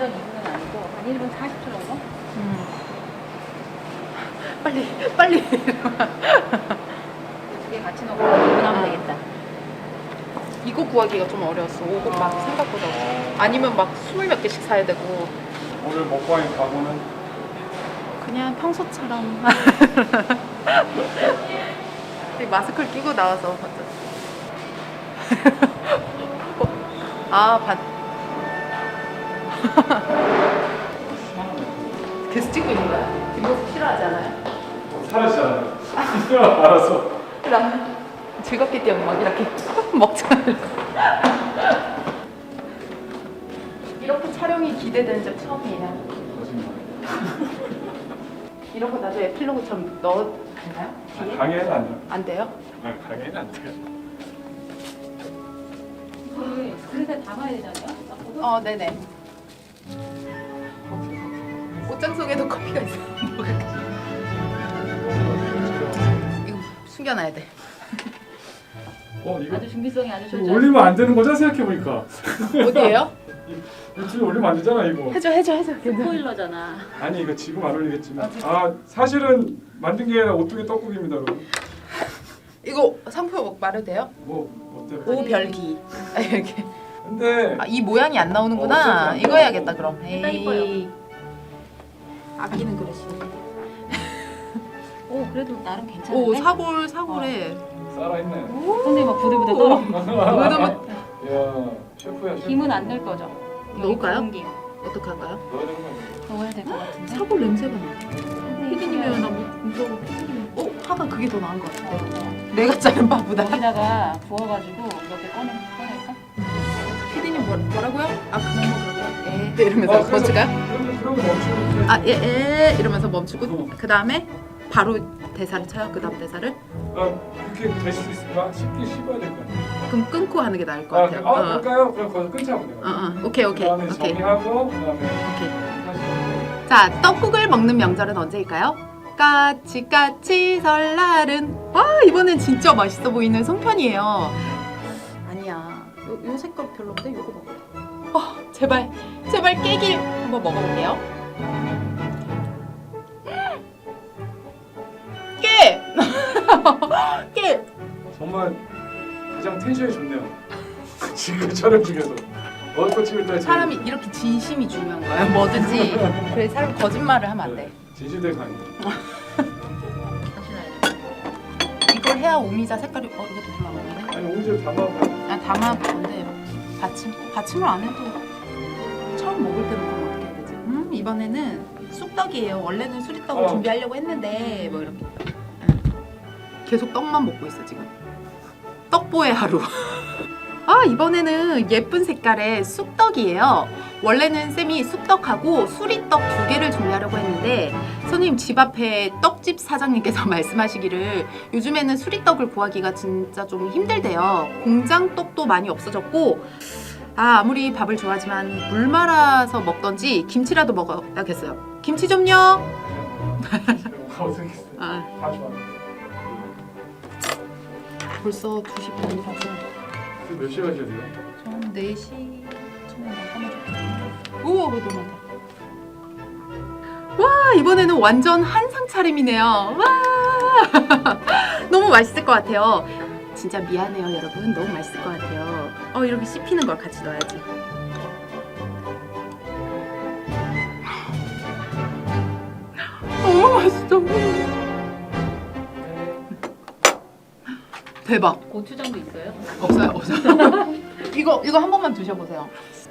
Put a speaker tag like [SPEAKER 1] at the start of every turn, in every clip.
[SPEAKER 1] 완전 2분은 아니고 한 1분 40초 정도?
[SPEAKER 2] 빨리.
[SPEAKER 1] 두 개 같이 넣고 2분 하면 되겠다.
[SPEAKER 2] 이거 구하기가 좀 어려웠어. 오곡 막 생각보다 없어. 아니면 막 20몇 개씩 사야 되고.
[SPEAKER 3] 오늘 먹방의 각오는
[SPEAKER 2] 그냥 평소처럼. 마스크를 끼고 나와서 봤죠. 계속 찍고 있는 거야? 뒷모습 싫어하지 않아요?
[SPEAKER 3] 사라지잖아요. 알아서.
[SPEAKER 2] 나 즐겁게 뛰어 막 이렇게 먹잖아요. 이렇게 촬영이 기대된 적 처음이에요.
[SPEAKER 3] 거짓말.
[SPEAKER 2] 이런 거 나중에 에필로그처럼 넣어도 되나요? 뒤에?
[SPEAKER 3] 강의는 안 돼요.
[SPEAKER 2] 안 돼요?
[SPEAKER 3] 강의는 안 돼요.
[SPEAKER 1] 이거를 그릇에 담아야 되잖아요?
[SPEAKER 2] 네네. 옷장 속에도 커피가 있어. 이거 숨겨놔야 돼.
[SPEAKER 3] 이거
[SPEAKER 1] 아주 준비성이 아주 좋죠.
[SPEAKER 3] 이거 올리면 안 되는 거죠? 생각해보니까.
[SPEAKER 2] 어디에요?
[SPEAKER 3] 유튜브에 올리면 안 되잖아 이거.
[SPEAKER 2] 해줘.
[SPEAKER 1] 스포일러잖아.
[SPEAKER 3] 아니 이거 지금 안 올리겠지만 사실은 만든 게 아니라 오뚜기 떡국입니다 여러분.
[SPEAKER 2] 이거 상표 말해도 돼요?
[SPEAKER 3] 뭐 어때요?
[SPEAKER 2] 오별기. 이렇게.
[SPEAKER 3] 근데
[SPEAKER 2] 이 모양이 안 나오는구나.
[SPEAKER 3] 어쨌든
[SPEAKER 2] 이거 해야겠다 그럼.
[SPEAKER 1] 일단 이뻐요.
[SPEAKER 2] 아끼는 그릇이.
[SPEAKER 1] 오 그래도 나름 괜찮은데?
[SPEAKER 2] 사골에.
[SPEAKER 3] 살아있네.
[SPEAKER 1] 근데 막 부들부들 떨어.
[SPEAKER 3] 야 셰프야 셰프.
[SPEAKER 1] 김은 안 넣을 거죠?
[SPEAKER 2] 넣을까요?
[SPEAKER 1] 여기 김
[SPEAKER 2] 어떻게 할까요?
[SPEAKER 3] 넣어야 되는 거 아니야?
[SPEAKER 1] 넣어야 될 것 같은데?
[SPEAKER 2] 사골 냄새가 나. 피디님이랑 나 무서워. 피디님. 하가 그게 더 나은 것 같은데. 내가 자른 바보다.
[SPEAKER 1] 여기다가 부어가지고 몇 개 꺼낼까?
[SPEAKER 2] 피디님 뭐라고요? 그만 먹으라고요? 이러면서 멈출까요?
[SPEAKER 3] 그러면 멈추고.
[SPEAKER 2] 이러면서 멈추고 그 다음에 바로 대사를 쳐요. 그 다음 대사를
[SPEAKER 3] 그렇게 될 수 있을까? 쉽게 씹어야 될 거 아니야.
[SPEAKER 2] 그럼 끊고 하는 게 나을 것 같아요.
[SPEAKER 3] 그럴까요? 그럼 거기서 끊자고 내가.
[SPEAKER 2] 오케이.
[SPEAKER 3] 그다음에 정리하고 그다음에 다시.
[SPEAKER 2] 자, 떡국을 먹는 명절은 언제일까요? 까치 설날은. 이번엔 진짜 맛있어 보이는 송편이에요. 아니야, 요 색깔 별로인데 요거 먹어. 제발 깨길 한번 먹어볼게요. 깨.
[SPEAKER 3] 정말 가장 텐션이 좋네요. 지금 촬영 중에서 어떤 찍을 때
[SPEAKER 2] 사람이 이렇게 진심이 중요한 거예요. 뭐든지. 그래 사람 거짓말을 하면 안 돼.
[SPEAKER 3] 진실된 강의.
[SPEAKER 1] 다시 놔야 돼.
[SPEAKER 2] 이걸 해야 오미자 색깔이 이것도 별로 안 먹네.
[SPEAKER 3] 아니 오늘 담아.
[SPEAKER 2] 담아보는데 받침을 안 해도 처음 먹을 때는 그럼 어떻게 해야 되지? 이번에는 쑥떡이에요. 원래는 수리떡을 준비하려고 했는데 뭐 이렇게 계속 떡만 먹고 있어 지금. 떡보의 하루. 이번에는 예쁜 색깔의 쑥떡이에요. 원래는 쌤이 쑥떡하고 수리떡 2개를 준비하려고 했는데 선생님 집 앞에 떡집 사장님께서 말씀하시기를 요즘에는 수리떡을 구하기가 진짜 좀 힘들대요. 공장 떡도 많이 없어졌고 아무리 밥을 좋아하지만 물 말아서 먹던지 김치라도 먹어야겠어요. 김치 좀요.
[SPEAKER 3] 어색했어. 다 좋아.
[SPEAKER 2] 벌써 2시 반이라서
[SPEAKER 3] 몇 시에 가셔야 돼요?
[SPEAKER 2] 전 4시쯤에 나가면 좋겠네요. 우와 너무 많다. 와 이번에는 완전 한상 차림이네요. 와 너무 맛있을 것 같아요. 진짜 미안해요 여러분. 너무 맛있을 것 같아요. 이렇게 씹히는 걸 같이 넣어야지. 너무 맛있어. 대박.
[SPEAKER 1] 고추장도 있어요?
[SPEAKER 2] 없어요. 이거 한 번만 드셔보세요.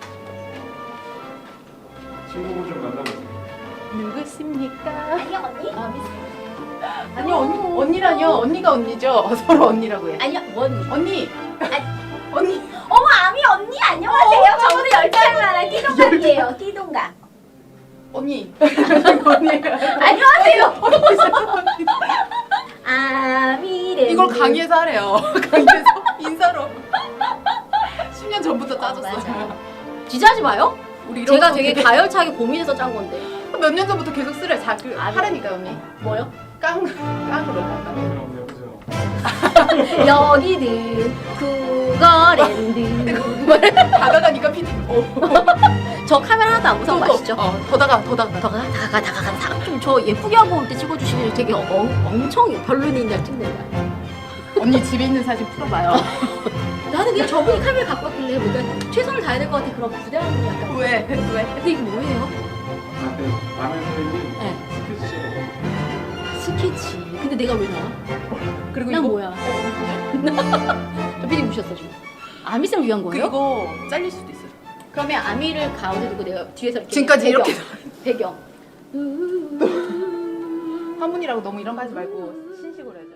[SPEAKER 3] 친구분 좀 만나보세요.
[SPEAKER 2] 누구십니까?
[SPEAKER 4] 아니요 언니?
[SPEAKER 2] 아니요 언니라뇨. 언니가 언니죠. 서로 언니라고 해.
[SPEAKER 4] 아니요 언니.
[SPEAKER 2] 언니.
[SPEAKER 4] 어머 아미 언니 안녕하세요. 저보다 10살 많아 띠동갑이에요. 띠동갑.
[SPEAKER 2] 언니. 언니.
[SPEAKER 4] 안녕하세요. 아미래.
[SPEAKER 2] 이걸 강의에서 하래요. 강의에서 인사로. 10년 전부터 짜줬어요.
[SPEAKER 4] 맞아요. 기자하지 마요.
[SPEAKER 2] 우리 이런
[SPEAKER 4] 제가
[SPEAKER 2] 거
[SPEAKER 4] 되게
[SPEAKER 2] 되게
[SPEAKER 4] 가열차게 고민해서 짠 건데.
[SPEAKER 2] 몇 년 전부터 계속 쓰래. 하라니까 언니.
[SPEAKER 4] 뭐요?
[SPEAKER 2] 깡으로.
[SPEAKER 3] 그럼 해보세요.
[SPEAKER 4] 여기는 쿠거랜드.
[SPEAKER 2] 다가가 니가 PD.
[SPEAKER 4] 저 카메라 하나도 안 무서운 거 아시죠?
[SPEAKER 2] 더 다가.
[SPEAKER 4] 다가. 좀 저 예쁘게 하고 올 때 찍어주시면 되게 엄청 별로인 날 찍는 거야.
[SPEAKER 2] 언니 집에 있는 사진 풀어봐요.
[SPEAKER 4] 나는 그냥 저분이 카메라 갖고 왔길래 뭔가 최선을 다해야 될 것 같아. 그런 부담이 약간.
[SPEAKER 2] 왜?
[SPEAKER 4] 근데 이게 뭐예요?
[SPEAKER 3] 라면 끓이는
[SPEAKER 4] 네.
[SPEAKER 3] 스케치.
[SPEAKER 4] 스케치. 근데 내가 왜 나와?
[SPEAKER 2] 그리고
[SPEAKER 4] 난
[SPEAKER 2] 이거
[SPEAKER 4] 뭐야? 저 피디 무셨어 지금. 아미쌤을 위한 거예요?
[SPEAKER 2] 그리고 잘릴 수도 있어요.
[SPEAKER 4] 그러면 아미를 가운데 두고 내가 뒤에서 이렇게
[SPEAKER 2] 지금까지
[SPEAKER 4] 배경,
[SPEAKER 2] 이렇게
[SPEAKER 4] 배경.
[SPEAKER 2] 화문이라고 너무 이런 거 하지 말고 신식으로 해야 돼.